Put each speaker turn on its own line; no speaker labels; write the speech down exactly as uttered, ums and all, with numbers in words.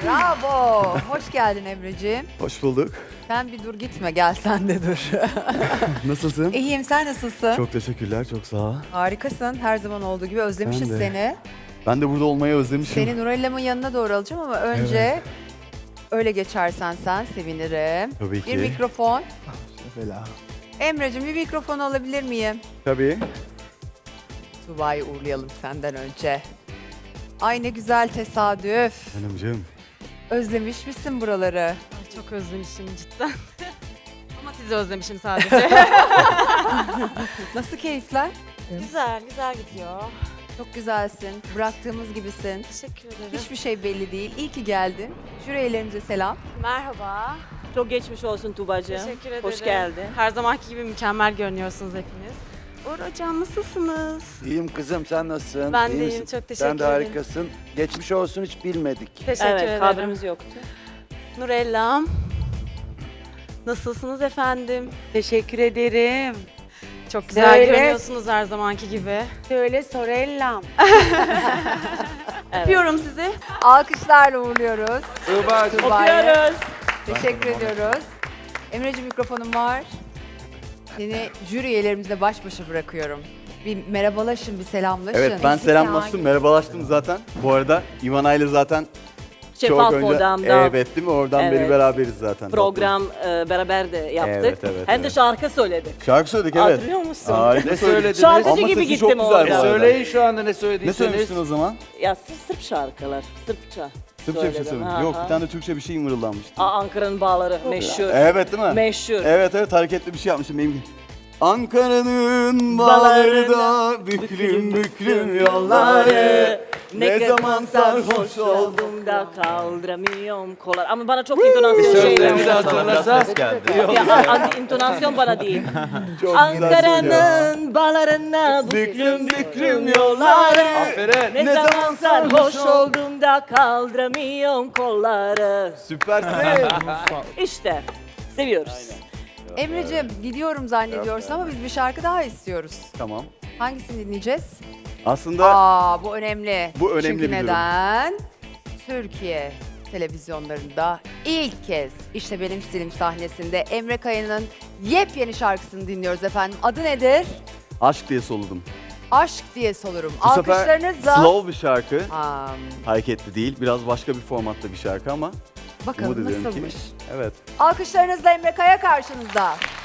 Bravo. Hoş geldin Emre'ciğim.
Hoş bulduk.
Sen bir dur gitme, gel sen de dur.
Nasılsın?
İyiyim, sen nasılsın?
Çok teşekkürler, çok sağ ol.
Harikasın, her zaman olduğu gibi özlemişiz
Ben de.
seni.
Ben de burada olmayı özlemişim.
Seni Nurella'mın yanına doğru alacağım ama önce öyle geçersen sen sevinirim.
Tabii ki.
Bir mikrofon.
Bela.
Emre'cim bir mikrofon alabilir miyim?
Tabii.
Tuba'yı uğurlayalım senden önce. Ay ne güzel tesadüf.
Hanımcığım.
Özlemiş misin buraları?
Ay, çok özlemişim cidden. Ama sizi özlemişim sadece.
Nasıl keyifler?
Güzel, güzel gidiyor.
Çok güzelsin. Bıraktığımız gibisin.
Teşekkür ederim.
Hiçbir şey belli değil. İyi ki geldin. Jürilerimize selam.
Merhaba.
Çok geçmiş olsun Tuğbacığım.
Teşekkür ederim.
Hoş geldin.
Her zamanki gibi mükemmel görünüyorsunuz hepiniz. Uğur Hocam nasılsınız?
İyiyim kızım, sen nasılsın?
Ben
İyi
de iyiyim,
misin?
çok teşekkür
Sen de
ederim.
harikasın. Geçmiş olsun, hiç bilmedik.
Teşekkür
Evet,
ederim.
haberimiz yoktu.
Nurellam. Nasılsınız efendim?
Teşekkür ederim.
Çok güzel
Söyle.
görünüyorsunuz her zamanki gibi.
Söyle Sorellam.
Evet.
Öpüyorum sizi.
Alkışlarla uğurluyoruz.
Tuğba,
Tuba'yı.
Öpüyoruz.
Teşekkür ediyoruz. Emre'ciğim mikrofonum var. Seni jüri üyelerimizle baş başa bırakıyorum. Bir merhabalaşın, bir selamlaşın.
Evet, ben selamlaştım, merhabalaştım zaten. Bu arada Ivana ile zaten
Şeffaf
çok önce...
odamda
Evet değil mi? Oradan beri
Evet.
beraberiz zaten.
program e, beraber de yaptık.
Evet, evet,
Hem de
evet.
şarkı söyledik.
Şarkı söyledik evet.
Hatırlıyor musun?
Harika
ne
söyledik.
söylediniz?
Şarkıcı
Ama
gibi
sesi
gittim
çok güzel
orada.
bu
E,
arada.
söyleyin şu anda ne
Ne
söylediyseniz.
söylemiştin o zaman?
Ya Sırp, Sırp şarkılar. Sırpça.
Sırpça bir şey
söyledim.
söyledin.
Ha,
Yok,
ha.
bir tane de Türkçe bir şey mırıldanmıştı.
Aa, Ankara'nın bağları meşhur.
Evet değil mi?
Meşhur.
Evet evet hareketli bir şey yapmışım benim. Ankara'nın bağlarında büklüm büklüm yolları. Ne zaman sarhoş oldum
da kaldıramıyorum kollar. Ama bana çok intonasyon
Sözlerini de
şeyler.
hatırlasa.
Ya, a- a- intonasyon bana değil.
Çok güzel söylüyor.
Ankara'nın bağlarına büklüm büklüm yolları.
Aferin.
Ne,
Ne
zaman
zaman
sarhoş
sarhoş
oldum da kaldıramıyorum kolları.
Süpersin.
İşte seviyoruz.
Emre'ciğim gidiyorum zannediyorsun ama biz bir şarkı daha istiyoruz.
Tamam.
Hangisini dinleyeceğiz?
Aslında
Aa bu önemli.
Bu önemli
Çünkü
bir durum.
neden? Türkiye televizyonlarında ilk kez işte benim stilim sahnesinde Emre Kaya'nın yepyeni şarkısını dinliyoruz efendim. Adı nedir?
aşk diye soludum.
Aşk diye solurum.
Bu sefer
Alkışlarınızla.
slow bir şarkı.
Aa,
Hareketli değil. Biraz başka bir formatta bir şarkı ama umut
bakalım
ediyorum
nasılmış.
ki. Evet.
Alkışlarınızla Emre Kaya karşınızda.